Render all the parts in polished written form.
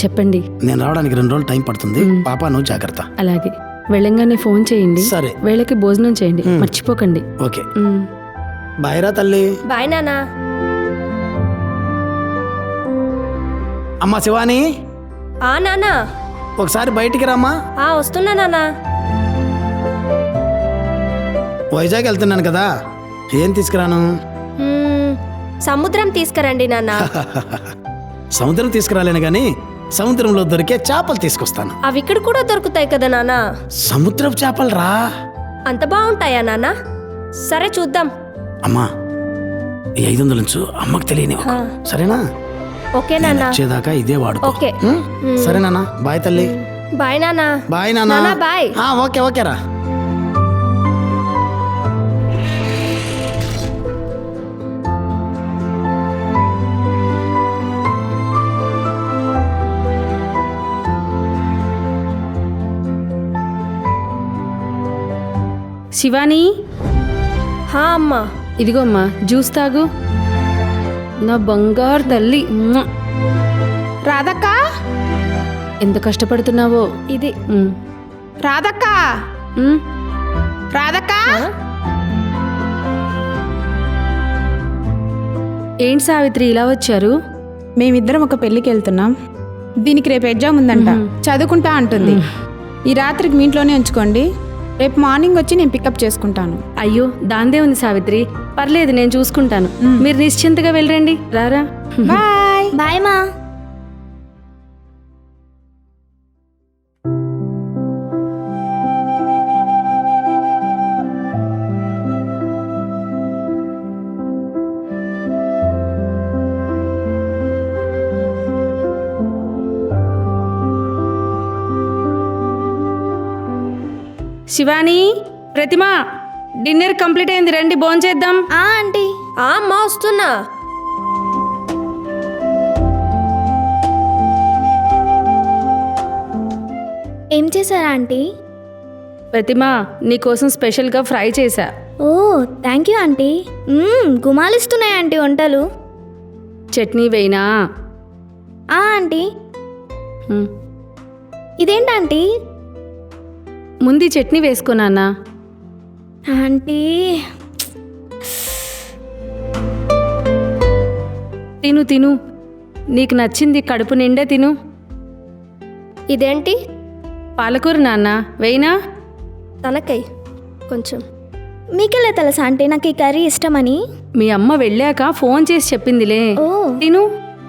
చెప్పండి. నేను రావడానికి 2 రోజులు టైం పడుతుంది. పాప నువ్వు జాగ్రత్త. అలాగే. వెళ్ళంగానే ఫోన్ చేయండి. సరే. వేళకి భోజనం చేయండి, మర్చిపోకండి. ఓకే. బాయ్రా తల్లి. బాయ్ నానా. అమ్మా శివాని, నానా. ఒకసారి బయటికి రామ్మా. వస్తున్నా నానా. వైజాగ్ వెళ్తున్నాను కదా, ఏం తీసుకురాను? సముద్రం తీసుకురండి నాన్న. సముద్రం తీసుకురాలేను గాని సముద్రంలో దొరికే చేపలు తీసుకొస్తాను. అవి ఇక్కడ కూడా దొరుకుతాయి కదా నాన్న. సముద్రపు చేపలు రా. అంత బాగుంటాయా నాన్న? సరే చూద్దాం. అమ్మా, ఈ 500 నుంచి అమ్మకు తెలియని, సరేనా? ఓకే నాన్న. వచ్చేదాకా ఇదే వాడుకో. ఓకే. సరే నాన్న. బాయ్ తల్లి. బాయ్ నాన్న. బాయ్ నాన్న. బాయ్. ఓకే ఓకే రా. శివాని, అమ్మా. ఇదిగో అమ్మా, జ్యూస్ తాగు. నా బంగారు తల్లి. రాధక్క, ఎంత కష్టపడుతున్నావో. ఇది రాధక్క, రాధక్క. ఏంటి సావిత్రి ఇలా వచ్చారు? మేమిద్దరం ఒక పెళ్ళికి వెళ్తున్నాం. దీనికి రేపు ఎగ్జామ్ ఉందంట, చదువుకుంటా అంటుంది. ఈ రాత్రికి మీ ఇంట్లోనే ఉంచుకోండి, రేపు మార్నింగ్ వచ్చి నేను పికప్ చేసుకుంటాను. అయ్యో, దాందే ఉంది సావిత్రి, పర్లేదు, నేను చూసుకుంటాను. మీరు నిశ్చింతగా వెళ్ళండి. రారా. బాయ్. బాయ్ మా. శివాని, ప్రతిమ, డిన్నర్ కంప్లీట్ అయింది, రండి భోంచేద్దాం. ఆంటీ. అమ్మా వస్తున్నా. ఏం చేశారా ఆంటీ? ప్రతిమ, నీకోసం స్పెషల్గా ఫ్రై చేశా. Oh thank you aunty. గుమాలిస్తున్నాయి ఆంటీ వంటలు. చట్నీ వేయినా? ఆంటీ. ఇదేంటంటీ? ముందు చట్నీ వేసుకోనా? ఆంటీ తిను తిను, నీకు నచ్చింది కడుపు నిండా తిను. ఇదేంటి? పాలకూర నాన్న, వేయినా? తనకై కొంచెం. మీకెలా తెలుసా ఆంటీ నాకు ఈ కర్రీ ఇష్టమని? మీ అమ్మ వెళ్ళాక ఫోన్ చేసి చెప్పిందిలే. ఓ తిను.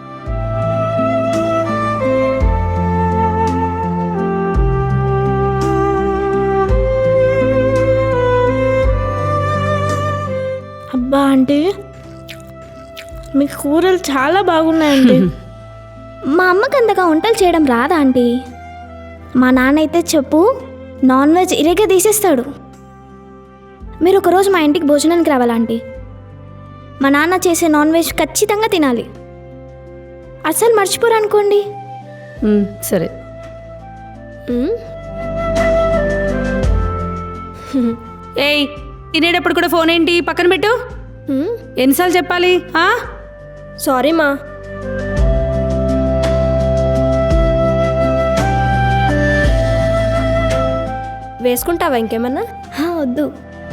అబ్బా ఆంటీ, మీ కూరలు చాలా బాగున్నాయండి. మా అమ్మకి అంతగా వంటలు చేయడం రాదా ఆంటీ? మా నాన్న అయితే చెప్పు, నాన్ వెజ్ ఇరేగా తీసేస్తాడు. మీరు ఒకరోజు మా ఇంటికి భోజనానికి రావాలా ఆంటీ? మా నాన్న చేసే నాన్ వెజ్ ఖచ్చితంగా తినాలి. అస్సలు మర్చిపోరు అనుకోండి. సరే. ఏయ్, తినేటప్పుడు కూడా ఫోన్ ఏంటి? పక్కన పెట్టు. ఎన్నిసార్లు చెప్పాలి? సారీ మా. వేసుకుంటావా ఇంకేమన్నా? వద్దు.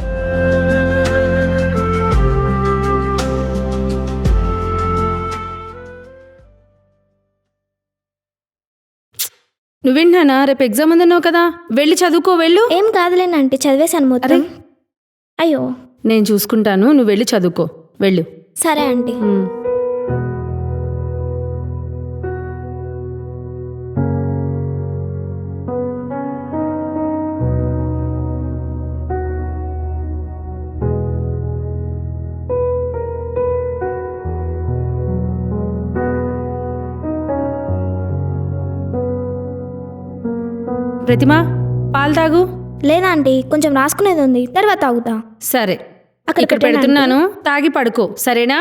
నువ్వేంటానా, రేపు ఎగ్జామ్ ఉందన్నావు కదా, వెళ్ళి చదువుకో. వెళ్ళు. ఏం కాదులేండి ఆంటీ, చదివేశాను మొత్తం. అయ్యో, నేను చూసుకుంటాను, నువ్వు వెళ్ళి చదువుకో. వెళ్ళు. సరే ఆంటీ. ప్రతిమ, పాలు తాగు. లేదా ఆంటీ, కొంచెం రాసుకునేది ఉంది, తర్వాత తాగుతా. సరే, అక్కడ ఇక్కడ పెడుతున్నాను, తాగి పడుకో, సరేనా?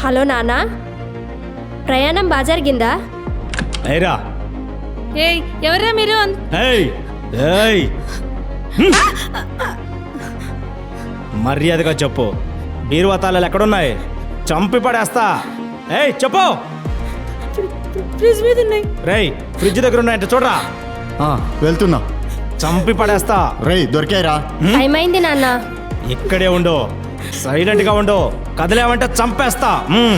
హలో నాన్న, ప్రయాణం బాగా జరిగిందా? ఏరా ఏయ్ ఎవర్రా మీరు ఏయ్ ఏయ్ మర్యాదగా చెప్పు, బీరువాతాళాలు ఎక్కడున్నాయి? చంపి పడేస్తా. ఏయ్ చెప్పు. ఫ్రిడ్జ్ మీద ఉన్నాయి. రేయ్ ఫ్రిడ్జ్ దగ్గర ఉన్నాయంటే చూడరా. వెళ్తున్నా. చంపి పడేస్తా. రేయ్ దొరికాయిరా. టైం అయింది నాన్న. ఇక్కడే ఉండు, సైలెంట్ గా ఉండు. కదిలేమంటే చంపేస్తా.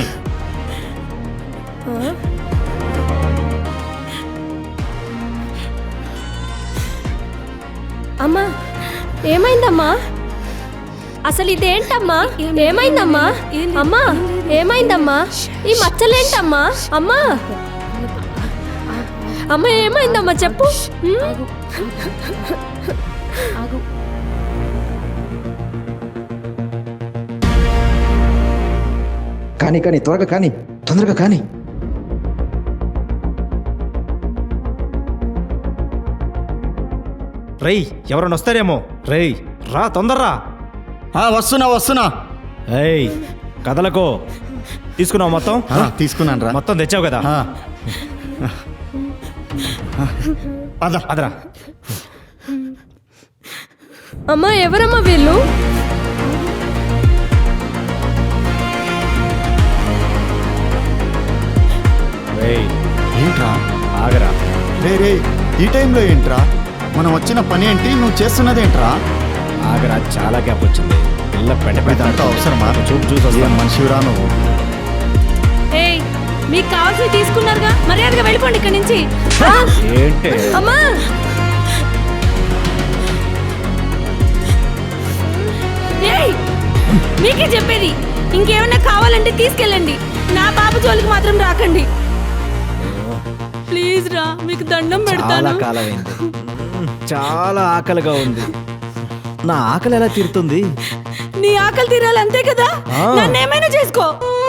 అమ్మా ఏమైందమ్మా? అసలు ఇదేంటమ్మా? ఏమైందమ్మా? అమ్మా ఏమైందమ్మా? ఈ మచ్చలేంటమ్మా? అమ్మా అమ్మ ఏమైందమ్మా చెప్పు. కానీ త్వరగా కానీ, తొందరగా కానీ. రేయ్ ఎవరైనా వస్తారేమో. రేయ్ రా తొందరరా. వస్తున్నా. ఏయ్ కదలకు. తీసుకున్నావు మొత్తం? తీసుకున్నాను రా. మొత్తం తెచ్చావు కదా. అదరా. అమ్మా ఎవరమ్మా వీళ్ళు? రేయ్ ఏంట్రా? ఆగరా. రే ఈ టైంలో ఏంట్రా? మనం వచ్చిన పని ఏంటి, నువ్వు చేస్తున్నదేంట్రా? ఆగరా, చాలా గ్యాప్ వచ్చింది. పిల్ల ఇదంతా అవసరమా? చూసి ఏం మనిషిరా నువ్వు? ఏయ్ మీకు కావాల్సి తీసుకున్నారుగా, మర్యాదగా వెళ్ళిపోండి ఇక్కడి నుంచి. ఏంటి? అమ్మా ఏయ్ మీకే చెప్పేది, ఇంకేమన్నా కావాలంటే తీసుకెళ్ళండి, నా బాబు జోలికి మాత్రం రాకండి. ప్లీజ్ రా, మీకు దండం చాలా పెడతాను. కాలమైంది. చాలా ఆకలిగా ఉంది. నా ఆకలి ఎలా తీరుతుంది? నీ ఆకలి తీరాలి అంతే కదా, నన్ను ఏమైనా చేసుకో.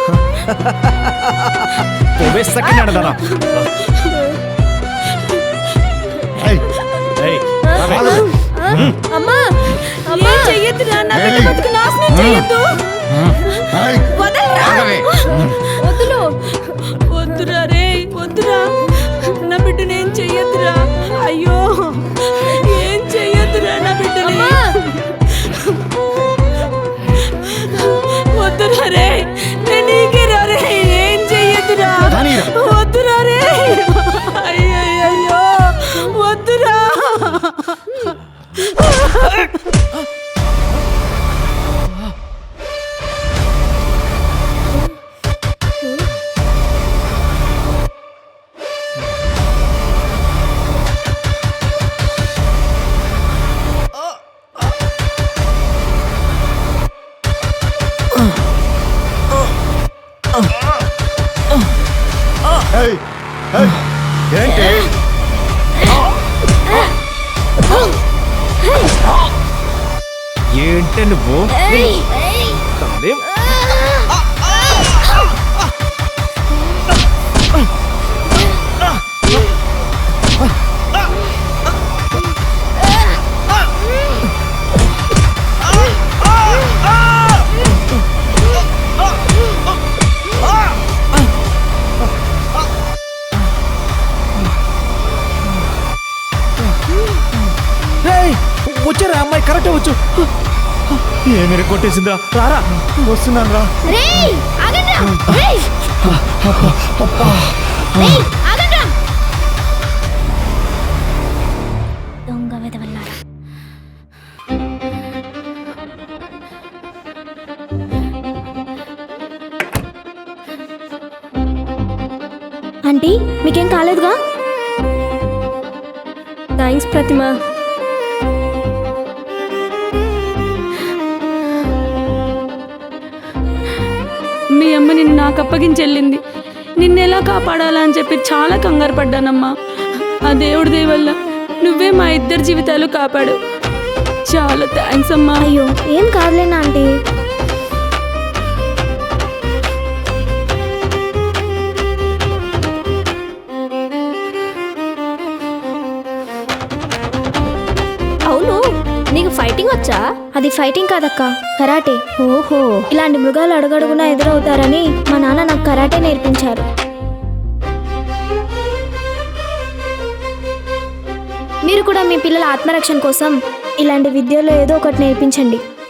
అమ్మా ఏం చెయ్యొద్దురా, నా బిడ్డ బతుకు నాశనం చెయ్యొద్దు. వదలరా. వద్దులు. వద్దురా రే, వద్దురా, నా బిడ్డని ఏం చెయ్యొద్దురా. అయ్యో ఏం చెయ్యొద్దురా నా బిడ్డని. వద్దురా రే, నేను నీకేరా రే, ఏం చెయ్యొద్దురా. వద్దురా రే, అయ్యో వద్దురా. ఏంటి? ఏంటి నువ్వు? వచ్చారా అమ్మాయి? కరెక్టే వచ్చు. ఏమి కొట్టేసిందా? రారా. వస్తున్నాను రా. రేయ్ ఆగండ్రా. రేయ్ రేయ్ ఆగండ్రా. దొంగ వెదవల్లారా. ఆంటీ మీకేం కాలేదుగా? థ్యాంక్స్ ప్రతిమ. మీ అమ్మ నిన్ను నాకు అప్పగించెళ్ళింది. నిన్నెలా కాపాడాలా అని చెప్పి చాలా కంగారు పడ్డానమ్మా. ఆ దేవుడి దయ వల్ల నువ్వే మా ఇద్దరి జీవితాలు కాపాడు. చాలా థ్యాంక్స్ అమ్మా. అయ్యో ఏం కాదులేనా ఆంటీ. అవును నీకు ఫైటింగ్ వచ్చా? అది ఫైటింగ్ కాదక్క, కరాటే. ఓహో. ఇలాంటి మృగాలు అడుగడుగునా ఎదురవుతారని మా నాన్న నాకు కరాటే నేర్పించారు. మీరు కూడా మీ పిల్లల ఆత్మరక్షణ కోసం ఇలాంటి విద్యలో ఏదో ఒకటి నేర్పించండి.